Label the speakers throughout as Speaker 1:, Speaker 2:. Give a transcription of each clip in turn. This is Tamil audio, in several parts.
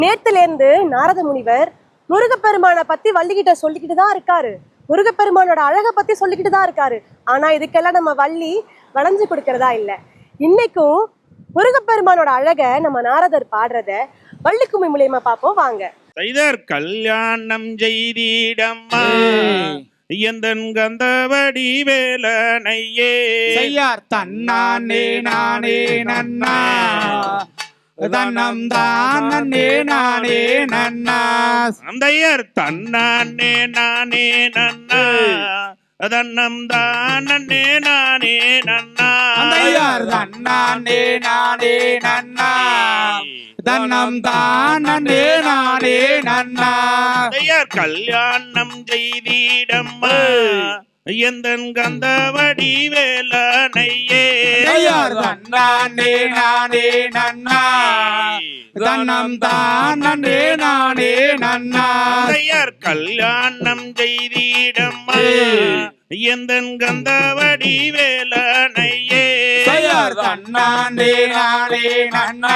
Speaker 1: நேத்துல இருந்து நாரத முனிவர் முருகப்பெருமானை பத்தி வள்ளிகிட்ட சொல்லிக்கிட்டு தான் இருக்காரு. முருகப்பெருமானோட அழகை பத்தி சொல்லிக்கிட்டு தான் இருக்காரு. ஆனா இதுக்கெல்லாம் நம்ம வள்ளி வளைஞ்சு கொடுக்கறதா இல்ல. இன்னைக்கும் முருகப்பெருமானோட அழகை நம்ம நாரதர் பாடுறத வள்ளிக்கும்மி மூலியமா பார்ப்போம் வாங்க.
Speaker 2: கல்யாணம் செய்திடம்மா எந்தன் கந்தவடி வேலனையே
Speaker 3: செய்யார் தன்னானே நானே நன்னா தன்னம் தானே நானே நன்னா
Speaker 2: அந்தையர் தன்னானே நானே நன்னா தன்னம் தானே நானே நன்னா
Speaker 3: அந்தையார் தன்னானே நானே நன்னா தன்னம் தானே நானே நன்னா
Speaker 2: அந்தையர் கல்யாணம் செய்திடம்மா எந்தன் கந்தவடி வேலனையே
Speaker 3: செய்யார் தன்னானே நானே நன்னா தன்னம் தானே நானே நன்னா
Speaker 2: அந்தையர் கல்யாணம் செய்திடம்மா எந்தன் கந்தவடி வேலனையே
Speaker 3: செய்யார் தன்னானே நானே நன்னா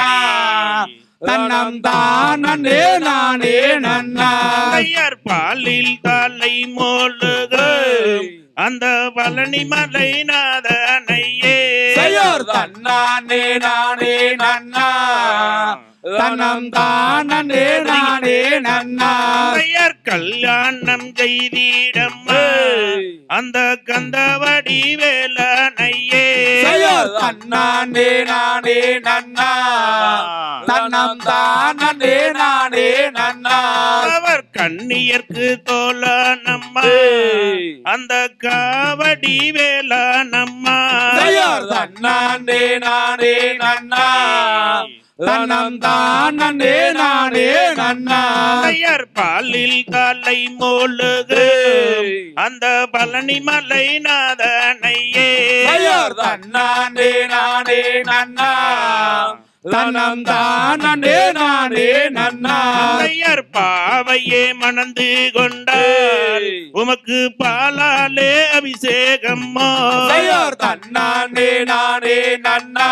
Speaker 3: தன்னம் தானே நானே நன்னா
Speaker 2: ஐயர் பாலில் தலை மோழுக அந்த பழனி மலை நாதனையே
Speaker 3: செய்யார் தன்னானே நானே நன்னா தன்னம் தானே நானே நன்னா
Speaker 2: ஐயர் கல்யாணம் செய்திடம்மா அந்த கந்தவடி வேலனையே
Speaker 3: செய்யார் தன்னானே நானே நன்னா தன்னம் தானே நானே நன்னா
Speaker 2: அவர் கண்ணியர்க்கு தோழனம்மா அந்த காவடி வேலனம்மா
Speaker 3: செய்யார் தன்னானே நானே நன்னா தன்னம் தானே நானே நன்னா
Speaker 2: ஐயர் பாலில் காலை மோழுகு அந்த பழனி மலை நாதனையே
Speaker 3: செய்யார் தன்னானே நானே நன்னா தன்னம் தானே நானே நன்னா
Speaker 2: ஐயர் பாவையே மணந்து கொண்டார் உமக்கு பாலாலே அபிஷேகம்மா
Speaker 3: செய்யார் தன்னானே நானே நன்னா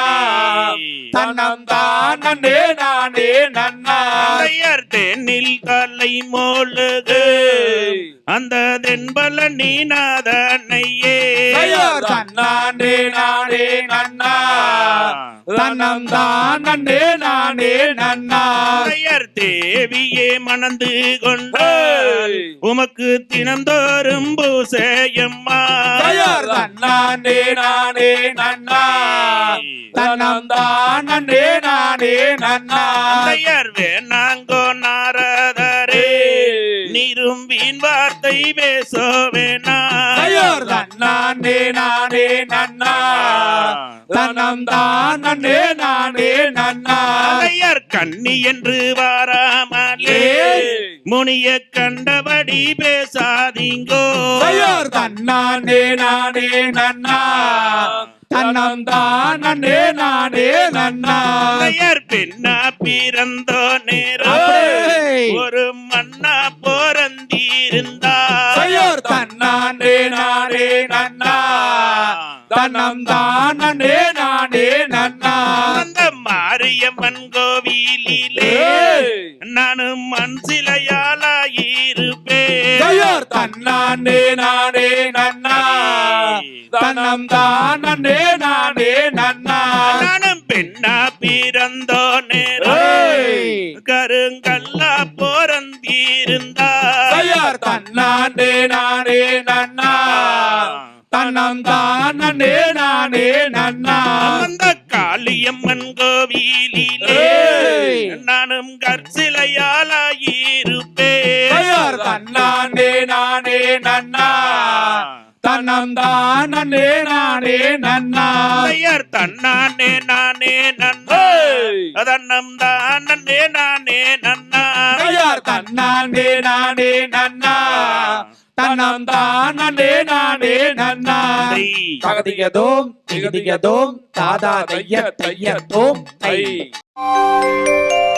Speaker 3: தன்னம் தானே நானே நன்னா
Speaker 2: ஐயர் தேனில் காலை மோழுகு அந்த தென்பழனி நாதனையே
Speaker 3: செய்யார் தன்னானே நானே நன்னா தன்னம் தானே நானே நன்னா
Speaker 2: ஐயர் தேவியே மணந்து கொண்டார் உமக்கு தினந்தோறும் பூசையம்மா
Speaker 3: செய்யார் தன்னானே நானே நன்னா தன்னம் தானே நானே நன்னா
Speaker 2: ஐயர் வேணாங்கோ நாரதரே நீரும் வீண் வார்த்தை பேசவேனா
Speaker 3: செய்யார் தன்னானே நானே நன்னா தன்னம் தானே நானே நன்னா
Speaker 2: ஐயர் கண்ணி என்று வாராமலே முனிய கண்டபடி பேசாதீங்கோ
Speaker 3: செய்யார் தன்னானே நானே நன்னா தன்னம் தானே நானே நன்னா
Speaker 2: ஐயர் பெண்ணா பிறந்தோ நேரோ ஒரு மண்ணா போரந்திருந்தா
Speaker 3: செய்யார் தன்னானே நானே நன்னா தன்னம் தானே நானே நன்னா
Speaker 2: அந்த மாரியம்மன் கோவிலிலே நானும் மண் சிலையாளாயிருப்பேன்
Speaker 3: செய்யார் தன்னானே நானே நன்னா தன்னம் தானே நானே நன்னா
Speaker 2: நானும் பெண்ணா பிறந்தோ நேரோ கருங்கல்லா போரந்திருந்தா
Speaker 3: செய்யார் தன்னானே நானே நன்னா தன்னம் தானே நானே நன்னா
Speaker 2: அந்த காளியம்மன் கோவிலிலே நானும் கற்சிலையாளாயிருப்பேன்
Speaker 3: செய்யார் தன்னானே நானே நன்னா தன்னம் தானே நானே நன்னா
Speaker 2: ஐயர் தன்னானே நானே நன்னா தன்னம் தானே நானே நன்னா
Speaker 3: செய்யார் தன்னானே நானே நன்னா தன்னம் தானே நானே நன்னா தகதிகதோம் திகதிகதோம் தாதா தைய தைய தோம் தை